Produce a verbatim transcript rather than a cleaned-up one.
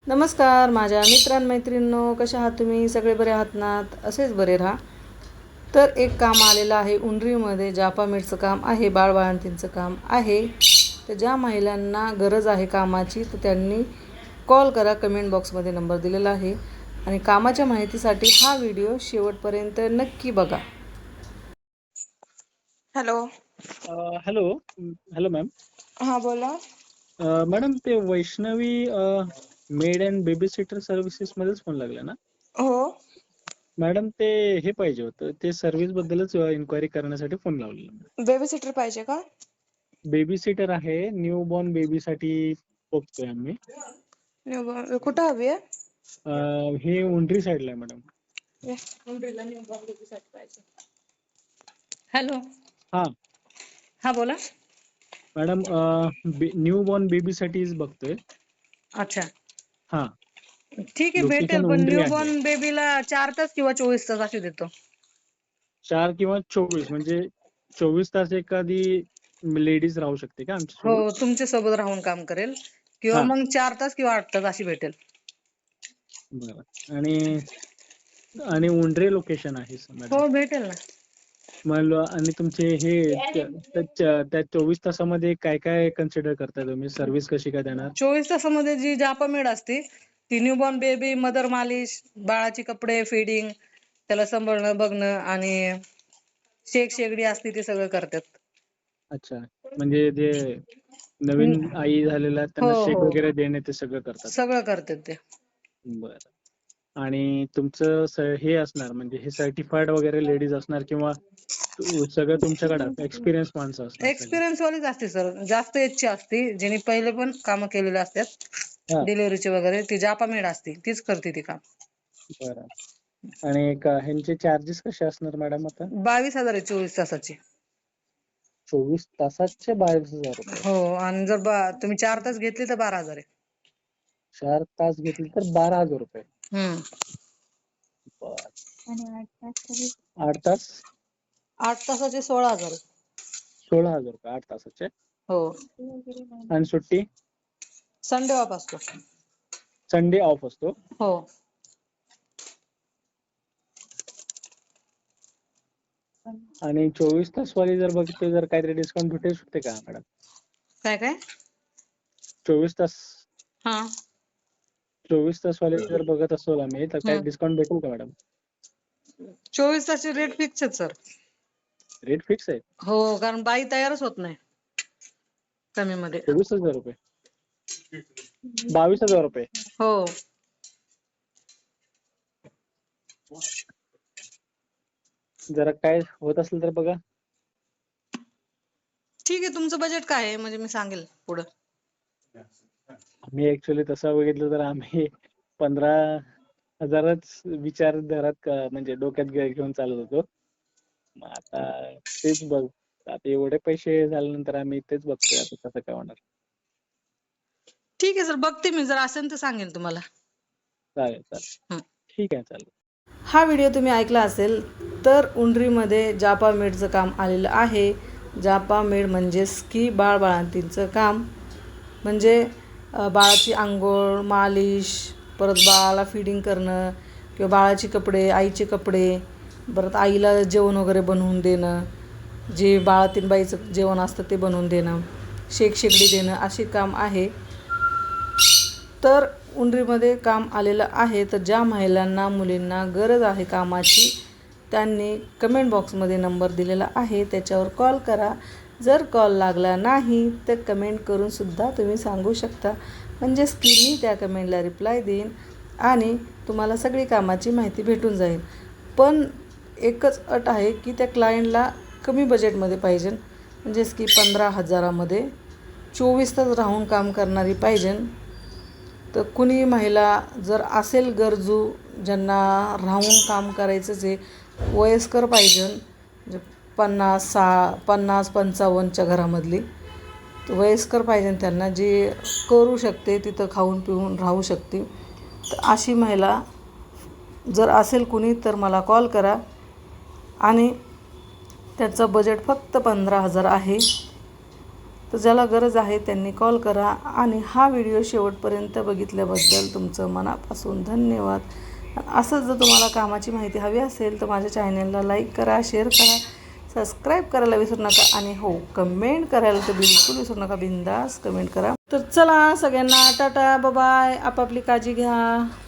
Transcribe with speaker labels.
Speaker 1: नमस्कार माझ्या मित्रांमैत्रिणींनो, कशा आहात तुम्ही? सगळे बरे आहात ना? असेच बरे राहा. तर एक काम आलेलं आहे उंडरीमध्ये, जापा मेडचं काम आहे, बाळबाळंतींचं काम आहे. तर ज्या महिलांना गरज आहे कामाची तर त्यांनी कॉल करा. कमेंट बॉक्समध्ये नंबर दिलेला आहे आणि कामाच्या माहितीसाठी हा व्हिडिओ शेवटपर्यंत नक्की बघा.
Speaker 2: हॅलो.
Speaker 3: Hello hello ma'am.
Speaker 2: हा बोला.
Speaker 3: मॅडम ते Vaishnavi maid and baby sitter services मध्येच फोन लागला ना?
Speaker 2: हो
Speaker 3: मॅडम ते हे पाहिजे होतं, ते सर्व्हिस बद्दलच इन्क्वायरी करण्यासाठी फोन लावलेला.
Speaker 2: बेबी सिटर पाहिजे का?
Speaker 3: बेबी सिटर आहे, न्यू बॉर्न बेबी साठी बघतोय आम्ही.
Speaker 2: न्यू कुठं हवी आहे?
Speaker 3: अं, हे उंडरी साईडला आहे मॅडम.
Speaker 2: उंडरीला न्यू बॉर्न बेबी साठी पाहिजे. हॅलो.
Speaker 3: हा
Speaker 2: हा बोला.
Speaker 3: मॅडम, न्यू बॉर्न बेबी साठीच बघतोय.
Speaker 2: अच्छा
Speaker 3: हा
Speaker 2: ठीक आहे, भेटेल.
Speaker 3: लोकेशन
Speaker 2: पण
Speaker 3: उंडरी
Speaker 2: न्यू
Speaker 3: आहे.
Speaker 2: बॉर्न बेबीला चार तास किंवा चोवीस तास अशी देतो.
Speaker 3: चार किंवा चोवीस म्हणजे चोवीस तास एखादी लेडीज राहू शकते का आमच्या
Speaker 2: हो,
Speaker 3: सोबत?
Speaker 2: तुमच्या सोबत राहून काम करेल किंवा
Speaker 3: हा
Speaker 2: मग चार तास किंवा आठ तास अशी भेटेल.
Speaker 3: बरं. आणि आणि उंडरे लोकेशन आहे मॅडम.
Speaker 2: हो भेटेल ना.
Speaker 3: मग आणि तुमचे हे त्या त्या चोवीस तासामध्ये काय काय कन्सिडर करताय तुम्ही? सर्व्हिस कशी काय देणार?
Speaker 2: चोवीस तासामध्ये जी जापा मेड असते ती न्यू बॉर्न बेबी, मदर मालिश, बाळाची कपडे, फीडिंग, त्याला सांभाळणं बघणं आणि शेक शेगडी असते ते सगळं करतात.
Speaker 3: अच्छा, म्हणजे जे नवीन आई झालेल्या
Speaker 2: हो
Speaker 3: त्यांना शेक
Speaker 2: हो
Speaker 3: वगैरे देणे ते सगळं करतात.
Speaker 2: सगळं करतात ते.
Speaker 3: बरं. आणि तुमचं स- हे असणार म्हणजे हे सर्टिफाईड वगैरे लेडीज असणार किंवा तु- सगळं तुमच्याकडे एक्सपिरियन्स माणसं असणार सगळे?
Speaker 2: एक्सपिरियन्स वालीच असते सर, जास्त एजची असते, जिने पहिले पण कामं केलेले असतात
Speaker 3: हा
Speaker 2: डिलिव्हरीचे वगैरे. ती जापा मेड असते, तीच करते ती काम.
Speaker 3: बरं. आणि का- ह्यांचे चार्जेस कसे असणार मॅडम आता?
Speaker 2: बावीस हजार आहे चोवीस तासाची.
Speaker 3: चोवीस तासाचे बावीस हजार रुपये
Speaker 2: हो, आणि जर बा- तुम्ही चार तास घेतले तर बारा हजार आहे.
Speaker 3: चार तास घेतले तर बारा हजार रुपये
Speaker 2: हम्म
Speaker 3: बर. आठ तास
Speaker 2: आठ तासाचे सोळा हजार आहे.
Speaker 3: सोळा हजार रुपये आठ तासाचे.
Speaker 2: हो,
Speaker 3: आणि सुट्टी
Speaker 2: संडे ऑफ असतो.
Speaker 3: संडे ऑफ असतो.
Speaker 2: हो,
Speaker 3: आणि चोवीस तास वाली जर बघितली जर काहीतरी डिस्काउंट भेटू शकते का मॅडम?
Speaker 2: काय काय
Speaker 3: चोवीस तास
Speaker 2: हा
Speaker 3: चोवीस तास वाले जर बघत असतो आम्ही तर काही
Speaker 2: हम्म
Speaker 3: डिस्काउंट भेटेल का मॅडम?
Speaker 2: चोवीस तासचे रेट फिक्स आहेत सर.
Speaker 3: रेट फिक्स आहे?
Speaker 2: हो, कारण बाई तयारच होत नाही कमी मध्ये.
Speaker 3: चोवीस हजार रुपये बावीस हजार रुपये
Speaker 2: हो,
Speaker 3: जरा काय होत असेल तर बघा.
Speaker 2: ठीक आहे. तुमचं बजेट काय आहे म्हणजे मी सांगेल पुढं.
Speaker 3: आम्ही ऍक्च्युली तसं बघितलं तर आम्ही पंधरा हजारच विचारधारात क- म्हणजे डोक्यात घे- घेऊन चालत होतो. मग आता तेच बघ, आता एवढे पैसे झाल्यानंतर आम्ही तेच बघतोय आता कसं काय होणार.
Speaker 2: ठीक आहे सर, बघते मी, जर असेल तर सांगेल तुम्हाला.
Speaker 3: चालेल चालेल
Speaker 2: हं.
Speaker 3: ठीक आहे चालेल.
Speaker 1: हा व्हिडिओ तुम्ही ऐकला असेल तर उंडरीमध्ये जापा मेडचं काम आलेलं आहे. जापा मेड म्हणजेच की बाळबाळंतींचं काम, म्हणजे अ, बाळाची आंघोळ, मालिश, परत बाळाला फिडिंग करणं किंवा बाळाचे कपडे, आईचे कपडे, परत आईला जेवण वगैरे बनवून देणं, जे बाळातीन बाईचं जेवण असतं ते बनवून देणं, शेक शेगडी देणं, असे काम आहे. तर उंडरीमध्ये काम आलेलं आहे. तर ज्या महिलांना मुलींना गरज आहे कामाची त्यांनी कमेंट बॉक्समध्ये नंबर दिलेला आहे, त्याच्यावर कॉल करा. जर कॉल लागला नाही तर कमेंट करूनसुद्धा तुम्ही सांगू शकता, म्हणजेच की मी त्या कमेंटला रिप्लाय देईन आणि तुम्हाला सगळी कामाची माहिती भेटून जाईल. पण एकच अट आहे की त्या क्लायंटला कमी बजेटमध्ये पाहिजे, म्हणजेच की पंधरा हजारामध्ये चोवीस तास राहून काम करणारी पाहिजे. तर कुणी महिला जर असेल गरजू, ज्यांना राहून काम करायचंच आहे, वयस्कर पाहिजे, म्हणजे पन्नास सा पन्नास पंचावन्नच्या घरामधली, तर वयस्कर पाहिजे त्यांना, जी करू शकते, तिथं खाऊन पिऊन राहू शकते. तर अशी महिला जर असेल कुणी तर मला कॉल करा. आणि त्याचं बजेट फक्त पंधरा हजार आहे. तर ज्याला गरज आहे त्यांनी कॉल करा. आणि हा व्हिडिओ शेवटपर्यंत बघितल्याबद्दल तुमचं मनापासून धन्यवाद. असंच जर तुम्हाला कामाची माहिती हवी असेल तर माझ्या चॅनलला लाईक करा, शेअर करा, सबस्क्राईब करायला विसरू नका. आणि हो, कमेंट करायला तर बिलकुल विसरू नका. बिंदास कमेंट करा. तर चला सगळ्यांना टाटा, बाय बाय. आपापली काळजी घ्या.